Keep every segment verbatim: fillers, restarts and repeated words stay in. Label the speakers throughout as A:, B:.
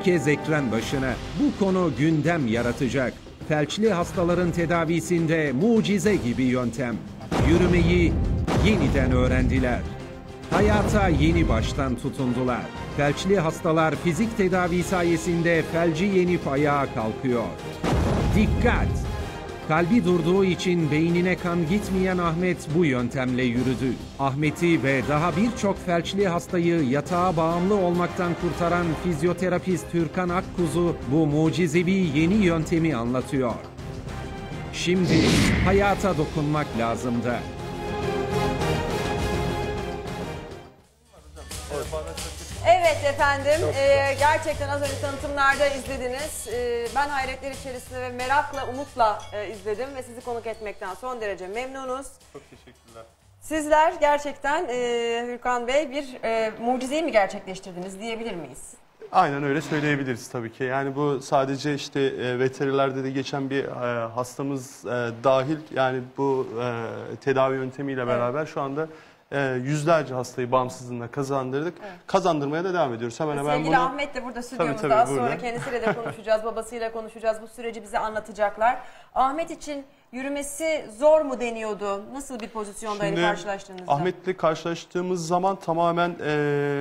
A: Herkes ekran başına. Bu konu gündem yaratacak. Felçli hastaların tedavisinde mucize gibi yöntem. Yürümeyi yeniden öğrendiler. Hayata yeni baştan tutundular. Felçli hastalar fizik tedavi sayesinde felci yenip ayağa kalkıyor. Dikkat! Kalbi durduğu için beynine kan gitmeyen Ahmet bu yöntemle yürüdü. Ahmet'i ve daha birçok felçli hastayı yatağa bağımlı olmaktan kurtaran fizyoterapist Türkan Akkuzu bu mucizevi yeni yöntemi anlatıyor. Şimdi hayata dokunmak lazımdı.
B: Evet efendim, ee, gerçekten az önce tanıtımlarda izlediniz. Ee, ben hayretler içerisinde ve merakla, umutla e, izledim ve sizi konuk etmekten son derece memnunuz.
C: Çok teşekkürler.
B: Sizler gerçekten e, Hürkan Bey bir e, mucizeyi mi gerçekleştirdiniz diyebilir miyiz?
C: Aynen öyle söyleyebiliriz tabii ki. Yani bu sadece işte e, veterinerde de geçen bir e, hastamız e, dahil, yani bu e, tedavi yöntemiyle beraber evet. Şu anda e, yüzlerce hastayı bağımsızlığına kazandırdık. Evet. Kazandırmaya da devam ediyoruz. Hemen hemen
B: Sevgili
C: bunu...
B: Ahmet de burada stüdyomuzda.
C: Tabii, tabii,
B: az
C: burada.
B: sonra kendisiyle de konuşacağız, babasıyla konuşacağız. Bu süreci bize anlatacaklar. Ahmet için yürümesi zor mu deniyordu? Nasıl bir pozisyondaydı karşılaştığınızda?
C: Ahmet'le karşılaştığımız zaman tamamen e,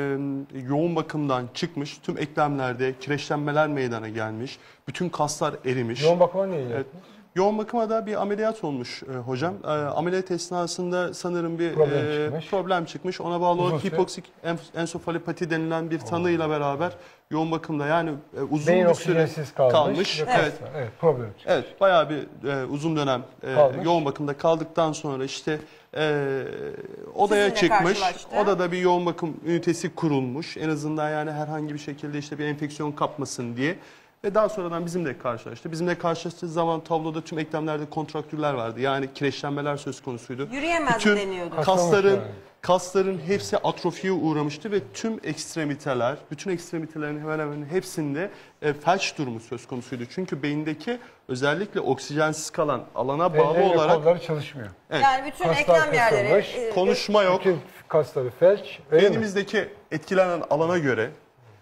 C: yoğun bakımdan çıkmış. Tüm eklemlerde kireçlenmeler meydana gelmiş. Bütün kaslar erimiş.
D: Yoğun bakıma niye evet.
C: Yoğun bakıma da bir ameliyat olmuş e, hocam. E, ameliyat esnasında sanırım bir
D: problem,
C: e,
D: çıkmış.
C: problem çıkmış. Ona bağlı olarak hipoksik ensefalopati denilen bir tanıyla beraber yoğun bakımda, yani e, uzun
D: beyin
C: bir süre
D: kalmış.
C: kalmış.
D: Evet. Evet. Evet, problem çıkmış.
C: Evet, bayağı bir e, uzun dönem e, yoğun bakımda kaldıktan sonra işte e, odaya
B: Sizinle
C: çıkmış.
B: karşılaştı.
C: Odada bir yoğun bakım ünitesi kurulmuş. En azından yani herhangi bir şekilde işte bir enfeksiyon kapmasın diye. Ve daha sonradan bizimle karşılaştı. Bizimle karşılaştığı zaman tabloda tüm eklemlerde kontraktürler vardı. Yani kireçlenmeler söz konusuydu.
B: Yürüyemez
C: bütün
B: deniyordu.
C: kasların,
D: yani.
C: kasların hepsi atrofiye uğramıştı ve tüm ekstremiteler, bütün ekstremitelerin hemen hemen hepsinde e, felç durumu söz konusuydu. Çünkü beyindeki özellikle oksijensiz kalan alana bağlı
D: Elleri,
C: olarak...
D: kolları çalışmıyor.
C: Evet.
B: Yani bütün
D: Kaslar
B: eklem yerleri...
D: kısılmış,
B: e,
C: Konuşma yok.
D: Bütün kasları felç.
C: Beynimizdeki etkilenen alana göre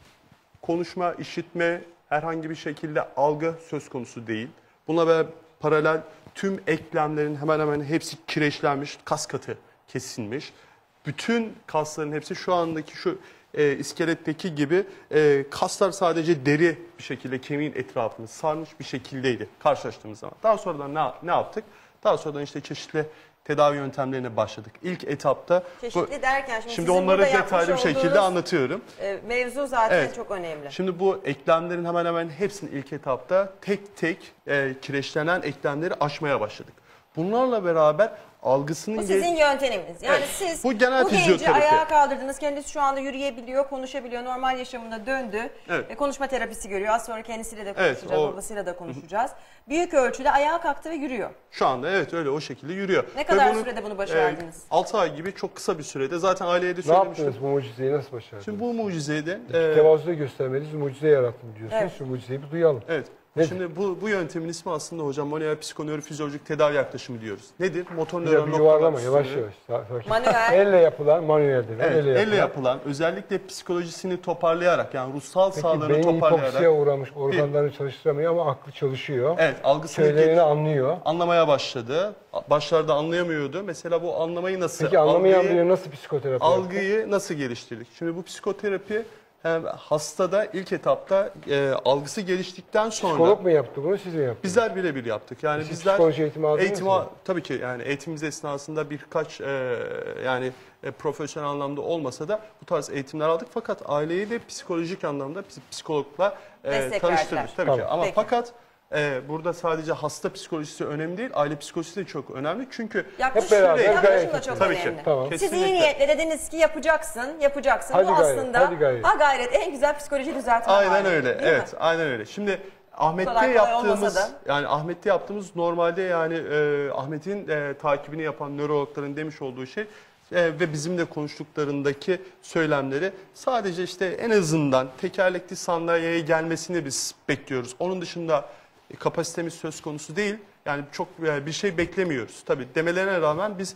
C: konuşma, işitme, herhangi bir şekilde algı söz konusu değil. Buna ve paralel tüm eklemlerin hemen hemen hepsi kireçlenmiş, kas katı kesilmiş. Bütün kasların hepsi şu andaki şu e, iskeletteki gibi e, kaslar sadece deri bir şekilde kemiğin etrafını sarmış bir şekildeydi karşılaştığımız zaman. Daha sonradan ne, ne yaptık? Daha sonradan işte çeşitli tedavi yöntemlerine başladık. İlk etapta...
B: Çeşitli derken şimdi,
C: şimdi onları detaylı bir şekilde anlatıyorum.
B: E, mevzu zaten
C: evet.
B: çok önemli.
C: Şimdi bu eklemlerin hemen hemen hepsini ilk etapta tek tek e, kireçlenen eklemleri aşmaya başladık. Bunlarla beraber algısının...
B: Bu sizin yönteminiz. Yani evet. siz
C: bu, genel
B: bu genci
C: fizyoterapi.
B: ayağa kaldırdınız. Kendisi şu anda yürüyebiliyor, konuşabiliyor. Normal yaşamına döndü. Evet. Ve konuşma terapisi görüyor. Az sonra kendisiyle de konuşacağız, evet, o... babasıyla da konuşacağız. Büyük ölçüde ayağa kalktı ve yürüyor.
C: Şu anda evet öyle o şekilde yürüyor.
B: Ne kadar
C: bunu,
B: sürede bunu başardınız?
C: E, altı ay gibi çok kısa bir sürede. Zaten aileye de söylemiştim.
D: Ne yaptınız bu mucizeyi, nasıl başardınız?
C: Şimdi bu mucizeyi de...
D: E, tevazuda göstermeniz, mucize yarattım diyorsunuz. Evet. Şu mucizeyi bir duyalım.
C: Evet. Nedir? Şimdi bu, bu yöntemin ismi aslında hocam manuel psikonörofizyolojik tedavi yaklaşımı diyoruz. Nedir? Motor nöron noktalar
D: yuvarlama yavaş yavaş.
B: Manuel.
D: Elle yapılan manueldir.
C: Evet, elle,
D: elle
C: yapılan. yapılan özellikle psikolojisini toparlayarak, yani ruhsal
D: Peki,
C: sağlığını
D: beyin
C: toparlayarak.
D: hipoksiye uğramış, organlarını çalıştıramıyor ama aklı çalışıyor.
C: Evet, algısını
D: Söylerini anlıyor.
C: Anlamaya başladı. Başlarda anlayamıyordu. Mesela bu anlamayı nasıl...
D: Peki anlamayan
C: algıyı,
D: biri nasıl psikoterapi
C: Algıyı
D: yaptı?
C: nasıl geliştirdik? Şimdi bu psikoterapi hem hastada ilk etapta e, algısı geliştikten sonra...
D: Psikolog mu yaptı bunu, siz mi yaptınız?
C: Bizler birebir yaptık. Yani
D: siz
C: bizler
D: psikoloji eğitimi aldınız
C: eğitimi,
D: mı?
C: Tabii ki yani eğitimimiz esnasında birkaç e, yani e, profesyonel anlamda olmasa da bu tarz eğitimler aldık. Fakat aileyi de psikolojik anlamda psikologla e, tanıştırdık. Tabii
D: tamam.
C: ki. Ama
B: Peki.
C: fakat Ee, burada sadece hasta psikolojisi önemli değil, aile psikolojisi de çok önemli. Çünkü
B: yaklaşım,
D: hep beraber
B: yaklaşım da çok
C: tabii
B: önemli.
C: ki.
D: Tamam.
B: Siz iyi niyetle dediniz ki yapacaksın, yapacaksın.
D: Hadi
B: Bu
D: gayret,
B: aslında
D: hadi gayret.
B: ha gayret en güzel psikoloji düzeltme
C: aynen
B: hali,
C: öyle.
B: değil
C: Evet,
B: mi?
C: aynen öyle. Şimdi Ahmet'te
B: kolay kolay
C: yaptığımız
B: olmasa da.
C: yani Ahmet'te yaptığımız normalde yani e, Ahmet'in e, takibini yapan nörologların demiş olduğu şey e, ve bizimle konuştuklarındaki söylemleri sadece işte en azından tekerlekli sandalyeye gelmesini biz bekliyoruz. Onun dışında e, kapasitemiz söz konusu değil. Yani çok e, bir şey beklemiyoruz. Tabii demelerine rağmen biz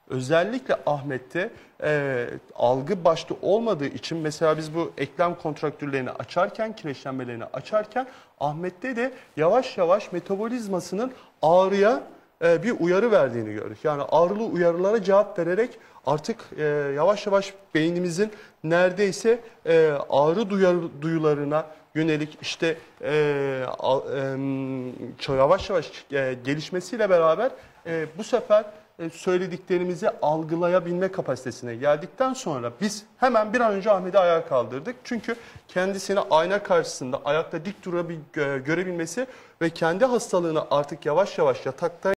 C: Özellikle Ahmet'te e, algı başta olmadığı için mesela biz bu eklem kontraktürlerini açarken, kireçlenmelerini açarken Ahmet'te de yavaş yavaş metabolizmasının ağrıya e, bir uyarı verdiğini gördük. Yani ağrılı uyarılara cevap vererek artık e, yavaş yavaş beynimizin neredeyse e, ağrı duyar, duyularına yönelik işte e, a, e, yavaş yavaş e, gelişmesiyle beraber e, bu sefer e, söylediklerimizi algılayabilme kapasitesine geldikten sonra biz hemen bir an önce Ahmet'i ayağa kaldırdık. Çünkü kendisini ayna karşısında ayakta dik durabil, görebilmesi ve kendi hastalığını artık yavaş yavaş yatakta